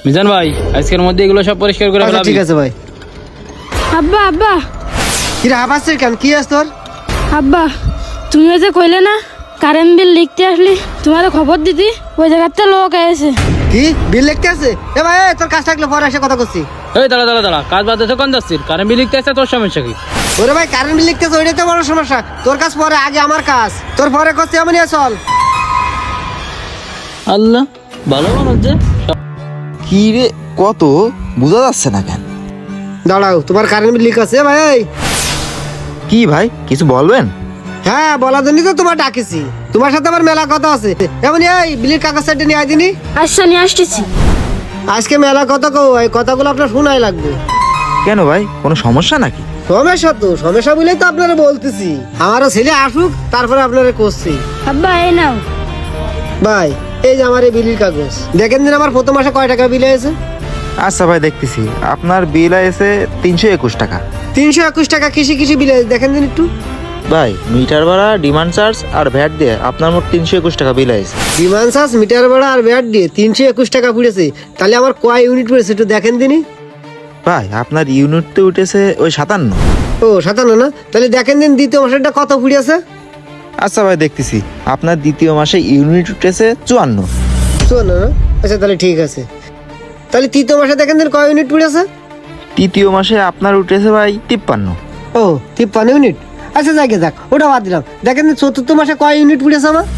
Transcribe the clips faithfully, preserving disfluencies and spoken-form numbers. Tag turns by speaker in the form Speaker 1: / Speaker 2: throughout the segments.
Speaker 1: মিজান ভাই আজকের মধ্যে এগুলো সব পরিষ্কার করে ফেলাবি।
Speaker 2: ঠিক আছে ভাই।
Speaker 3: আব্বা আব্বা
Speaker 2: কি রে হাবাসের কেন কি আছে তোর?
Speaker 3: আব্বা তুমি ওই যে কইলে না কারেন্ট বিল লিখতে আসলি তোমার খবর দিতি ওই জায়গাতে লোক এসে।
Speaker 2: কি বিল লিখতে আছে? এ ভাই এ, তোর কাজ থাকলে পরে এসে কথা করছি।
Speaker 1: এই দাঁড়া দাঁড়া দাঁড়া কাজ বাদ কোন যাচ্ছিস? কারেন্ট বিল লিখতে আসছে তোর সমস্যা কি?
Speaker 2: ওরে ভাই কারেন্ট বিল লিখতেছে ওইটাই তো বড় সমস্যা। তোর কাজ পরে আগে আমার কাজ, তোর পরে করছি এমনই চল।
Speaker 1: আল্লাহ ভালো মানুষ যে।
Speaker 4: কি রে কত বোঝা যাচ্ছে না কেন?
Speaker 2: দাঁড়াও তোমার কারেন্ট বিল লিখ আছে ভাই।
Speaker 4: কি ভাই কিছু বলবেন?
Speaker 2: হ্যাঁ বলার জন্যই তো তোমার ডাকেছি, তোমার সাথে আমার মেলা কথা আছে। এমন এই বিলের কাগজ সাইডে নিয়ে আয় দিনি।
Speaker 3: আচ্ছা নিয়ে আসতেছি।
Speaker 2: আজকে মেলা কথা কও, এই কথাগুলো আপনার শোনাই লাগবে।
Speaker 4: কেন ভাই কোনো সমস্যা নাকি?
Speaker 2: সমস্যা তো সমস্যা বলেই তো আপনারা বলতেছি। আমারও ছেলে আসুক তারপরে আপনারা করছি।
Speaker 3: আব্বা এই নাও।
Speaker 2: ভাই এই যে আমার এই বিলের কাগজ দেখেন দিন, আমার প্রথম মাসে কয় টাকা বিল হয়েছে?
Speaker 4: আচ্ছা ভাই দেখতেছি আপনার বিল আছে তিনশো একুশ টাকা।
Speaker 2: তিনশো একুশ টাকা কৃষি কৃষি বিল হয়েছে, দেখেন দিন একটু।
Speaker 4: ভাই মিটার ভাড়া ডিমান্ড চার্জ আর ভ্যাট দিয়ে আপনার মোট তিনশো একুশ টাকা বিল আছে।
Speaker 2: বিমান চার্জ মিটার ভাড়া আর ব্যাট দিয়ে তিনশো একুশ টাকা পড়েছে। তাহলে আমার কয় ইউনিট পড়েছে একটু দেখেন দিনই।
Speaker 4: ভাই আপনার ইউনিট তো উঠেছে ওই সাতান্ন।
Speaker 2: ও সাতান্ন না? তাহলে দেখেন দিন দ্বিতীয় মাসেরটা কত পড়েছে।
Speaker 4: আচ্ছা ভাই দেখতেছি আপনার দ্বিতীয় মাসে ইউনিট উঠেছে চুয়ান্ন।
Speaker 2: চুয়ান্ন না? আচ্ছা তাহলে ঠিক আছে। তাহলে তৃতীয় মাসে দেখেন দিন কয় ইউনিট পড়েছে।
Speaker 4: তৃতীয় মাসে আপনার উঠেছে ভাই তিপ্পান্ন।
Speaker 2: ও তিপ্পান্ন ইউনিট। আচ্ছা যাকে যাক ওটা বাদ দিলাম। দেখেন দিন চতুর্থ মাসে কয় ইউনিট পড়েছে আমার।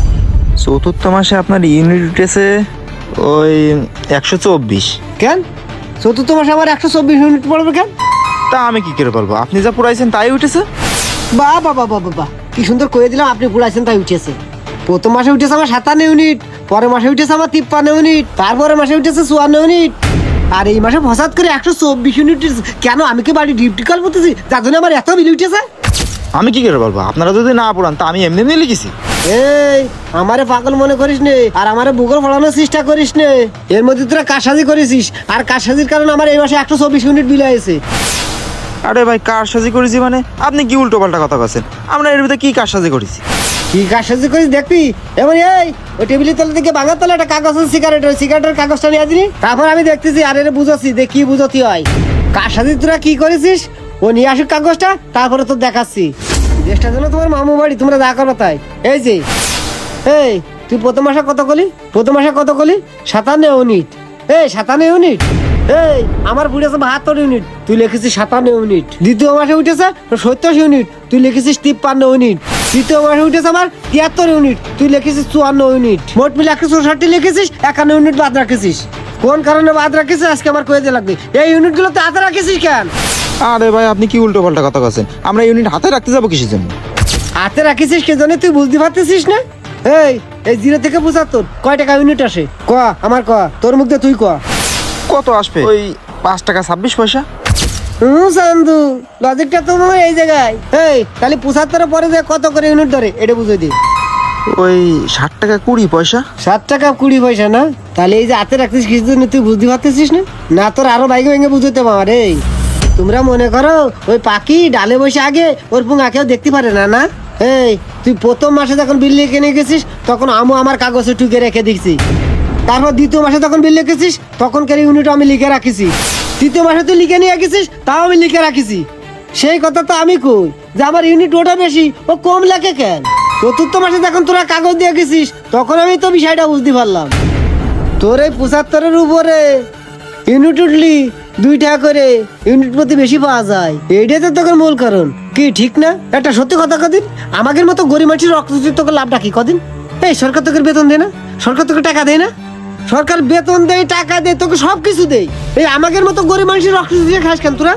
Speaker 4: চতুর্থ মাসে আপনার ইউনিট উঠেছে ওই একশো চব্বিশ।
Speaker 2: কেন চতুর্থ মাসে আমার একশো চব্বিশ ইউনিট পড়বে কেন?
Speaker 4: তা আমি কি করে বলবো, আপনি যা পুরাইছেন তাই উঠেছে।
Speaker 2: বা বাবা বাবা বাবা কি সুন্দর করে দিলাম, আপনি পুরাইছেন তাই উঠেছে। প্রথম মাসে উঠেছে আমার সাতান্ন ইউনিট, পরের মাসে উঠেছে আমার তিপ্পান্ন ইউনিট, তারপরে মাসে উঠেছে চুয়ান্ন ইউনিট, আর এই মাসে ফসাদ করে একশো চব্বিশ ইউনিট। কেন আমি কি বাড়ি ডিউটি কল করতেছি যার জন্য আমার এত বিল উঠেছে?
Speaker 4: আমি কি করে বলবো, আপনারা যদি না পড়ান তা আমি এমনি এমনি লিখেছি।
Speaker 2: এই আমারে পাগল মনে করিস নে, আর আমারে বুকর ফলানোর চেষ্টা করিস নে। এর মধ্যে তোরা কারসাজি করেছিস, আর কারসাজির কারণে আমার এই মাসে একশো চব্বিশ ইউনিট বিল হয়েছে।
Speaker 4: আরে ভাই কারসাজি করেছি মানে আপনি কি উল্টো পাল্টা কথা বলছেন? আমরা এর ভিতরে কি কারসাজি করেছি?
Speaker 2: কি কারসাজি করিস দেখবি। এমন এই ওই টেবিলের তলা থেকে ভাঙার তলা একটা কাগজ আছে সিগারেটের, সিগারেটের কাগজটা নিয়ে দিনি। তারপর আমি দেখতেছি আর এর বুঝাচ্ছি যে কি বুঝতি হয়। কারসাজি তোরা কি করেছিস ও নিয়ে আসুক কাগজটা, তারপরে তো দেখাচ্ছি। দেশটা যেন তোমার মামু বাড়ি, তোমরা যা করো তাই। এই যে এই তুই প্রথম মাসে কত কলি? প্রথম মাসে কত কলি? সাতান্ন ইউনিট। এই সাতান্ন ইউনিট। এই আমার উঠেছে বাহাত্তর ইউনিট, তুই লিখেছিস সাতান্ন ইউনিট। দ্বিতীয় মাসে উঠেছে সত্তর ইউনিট, তুই লিখেছিস তিপ্পান্ন ইউনিট। তৃতীয় মাসে উঠেছে আমার তিয়াত্তর ইউনিট, তুই লিখেছিস চুয়ান্ন ইউনিট। মোট মিলে একশো চৌষট্টি লিখেছিস, একান্ন ইউনিট বাদ রাখেছিস। কোন কারণে বাদ রাখেছিস আজকে আমার কয়ে দিয়ে লাগবে। এই ইউনিট গুলো তো হাতে রাখেছিস কেন?
Speaker 4: আরে ভাই আপনি কি উল্টো পাল্টা কথা বলছেন? আমরা ইউনিট হাতে রাখতে যাবো কিসের জন্য?
Speaker 2: হাতে রাখিস কে জন্য তুই বুঝতে পারতেছিস না? এই এই জিরো থেকে পঁচাত্তর কয় টাকা ইউনিট আসে ক আমার ক, তোর মুখ দিয়ে তুই ক।
Speaker 4: কত আসবে? ওই পাঁচ টাকা ছাব্বিশ পয়সা।
Speaker 2: হুম সান্দু লজিকটা তো মনে হয় এই জায়গায়। এই তাহলে পঁচাত্তরের পরে যে কত করে ইউনিট ধরে এটা বুঝে দি।
Speaker 4: ওই ষাট টাকা কুড়ি পয়সা।
Speaker 2: সাত টাকা কুড়ি পয়সা না? তাহলে এই যে হাতে রাখছিস কিছু জন্য তুই বুঝতে পারতেছিস না? না তোর আরো বাইকে ভেঙে বুঝতে পার। এই তোমরা মনে করো ওই পাখি ডালে বসে আগে ওর পুঙ্গা কেউ দেখতে পারে না না? এই তুই প্রথম মাসে যখন বিল লিখে নিয়ে গেছিস তখন আমু আমার কাগজে টুকে রেখে দিচ্ছি। তারপর দ্বিতীয় মাসে যখন বিল লিখেছিস তখন কেন ইউনিট আমি লিখে রাখিছি। তৃতীয় মাসে তুই লিখে নিয়ে গেছিস তাও আমি লিখে রাখিছি। সেই কথা তো আমি কই যে আমার ইউনিট ওটা বেশি ও কম লেখে কেন। চতুর্থ মাসে যখন তোরা কাগজ দিয়ে গেছিস তখন আমি তো বিষয়টা বুঝতে পারলাম। তোর এই পঁচাত্তরের উপরে ইউনিট উঠলি দুই টাকা করে ইউনিট প্রতি বেশি পাওয়া যায়, এইটাই তো তোকে মূল কারণ। কি ঠিক না? একটা সত্যি কথা কদিন আমাদের মতো গরিব মানুষের রক্ত তোকে লাভটা কি কদিন? এই সরকার তোকে বেতন দেয় না? সরকার তোকে টাকা দেয় না? সরকার বেতন দেয় টাকা দেয় তোকে সব কিছু দেয়, এই আমাদের মতো গরিব মানুষের রক্ত দিয়ে খাস কেন তোরা?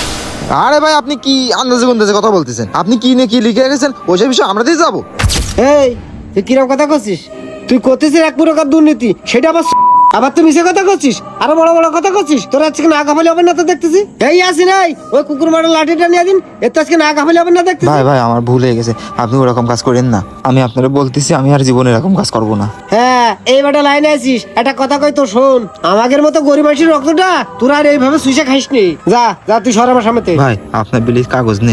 Speaker 4: আরে ভাই আপনি কি আন্দাজে গুন্দাজে কথা বলতেছেন? আপনি কি নিয়ে কি লিখে রেখেছেন ওই বিষয়ে আমরা দিয়ে যাবো?
Speaker 2: এই তুই কিরকম কথা করছিস? তুই করতেছিস এক প্রকার দুর্নীতি, সেটা আবার আবার তুই মিশে কথা করছিস, আরো বড় বড় কথা করছিস। তোর আজকে না গাফালি হবে না তো দেখতেছি। এই আসি নাই ওই কুকুর মারার লাঠিটা নিয়ে দিন, এর তো আজকে না গাফালি হবে না দেখতেছি।
Speaker 4: ভাই ভাই আমার ভুল হয়ে গেছে, আপনি ওরকম কাজ করেন না। আমি আপনারা বলতেছি আমি আর জীবনে এরকম কাজ করবো না।
Speaker 2: হ্যাঁ এই বেটা লাইনে আছিস, একটা কথা কই তো শোন। আমাদের মতো গরিব মানুষের রক্তটা তোরা আর এইভাবে সুইসে খাইস নি। যা যা তুই সর আমার সামনে।
Speaker 4: ভাই আপনার বিলির কাগজ নিন।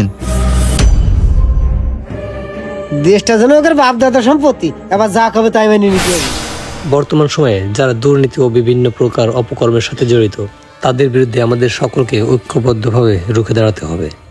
Speaker 2: দেশটা যেন ওদের বাপ দাদা সম্পত্তি, এবার যা খাবে তাই মেনে নিতে হবে।
Speaker 5: বর্তমান সময়ে যারা দুর্নীতি ও বিভিন্ন প্রকার অপকর্মের সাথে জড়িত তাদের বিরুদ্ধে আমাদের সকলকে ঐক্যবদ্ধভাবে রুখে দাঁড়াতে হবে।